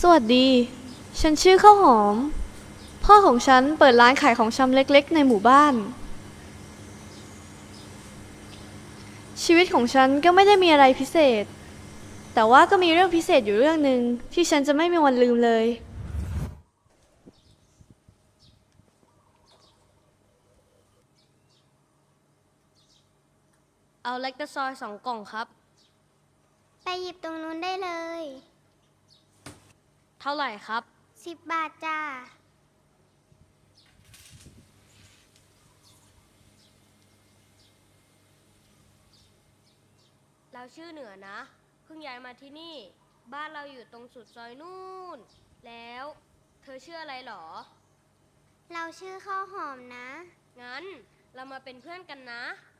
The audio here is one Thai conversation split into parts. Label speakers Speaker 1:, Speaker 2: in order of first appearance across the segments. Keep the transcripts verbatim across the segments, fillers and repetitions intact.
Speaker 1: วัสดี ฉันชื่อข้าวหอม พ่อของฉันเปิดร้านขายของชำเล็กๆในหมู่บ้าน ชีวิตของฉันก็ไม่ได้มีอะไรพิเศษ แต่ว่าก็มีเรื่องพิเศษอยู่เรื่องหนึ่งที่ฉันจะไม่มีวันลืมเลย
Speaker 2: เอาเล็กตะซอยสองกล่องครับ
Speaker 3: ไปหยิบตรงนู้นได้เลย
Speaker 2: เท่าไหร่ครับ
Speaker 3: สิบบาทจ้า
Speaker 2: เราชื่อเหนือนะ เพิ่งย้ายมาที่นี่ บ้านเราอยู่ตรงสุดซอยนู่น แล้วเธอชื่ออะไรหรอ
Speaker 3: เราชื่อข้าวหอมนะ
Speaker 2: งั้นเรามาเป็นเพื่อนกันนะ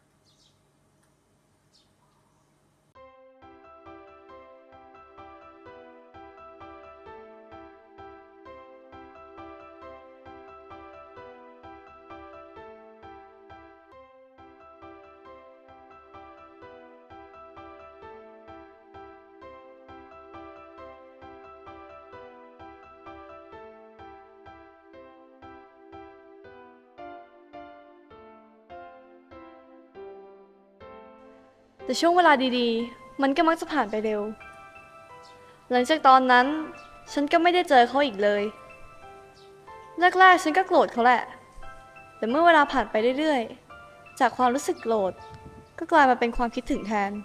Speaker 1: แต่ช่วงเวลาดีๆ มันก็มักจะผ่านไปเร็ว หลังจากตอนนั้นฉันก็ไม่ได้เจอเขาอีกเลย แรกๆฉันก็โกรธเขาแหละ แต่เมื่อเวลาผ่านไปเรื่อยๆ จากความรู้สึกโกรธก็กลายมาเป็นความคิดถึงแทน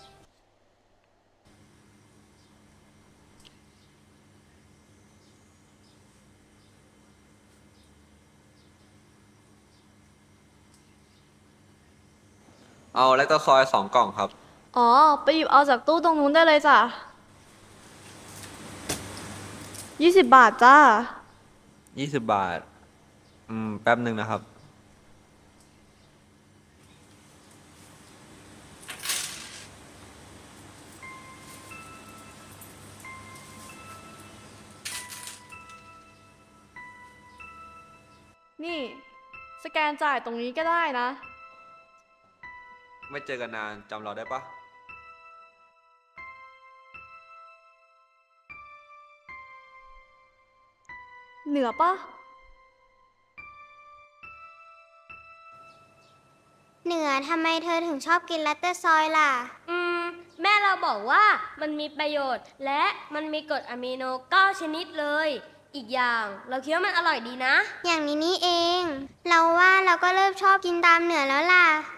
Speaker 4: เอาแลคตาซอยสองกล่องครับ
Speaker 1: อ๋อ ไปหยิบเอาจากตู้ตรงนู้นได้เลยจ้ะยี่สิบบาทจ้า
Speaker 4: ยี่สิบบาท อืม แป๊บหนึ่งนะครับ
Speaker 1: นี่ สแกนจ่ายตรงนี้ก็ได้นะ
Speaker 4: ไม่เจอกันนานจำเราได้ปะ
Speaker 1: เหนือปะ
Speaker 3: เหนือทำไมเธอถึงชอบกินลัตเตอร์ซอยล่ะ
Speaker 2: อืม แม่เราบอกว่ามันมีประโยชน์ และมันมีกรดอะมิโนเก้าชนิดเลย อีกอย่างเราคิดว่ามันอร่อยดีนะ
Speaker 3: อย่างนี้นี่เอง เราว่าเราก็เริ่มชอบกินตามเหนือแล้วล่ะ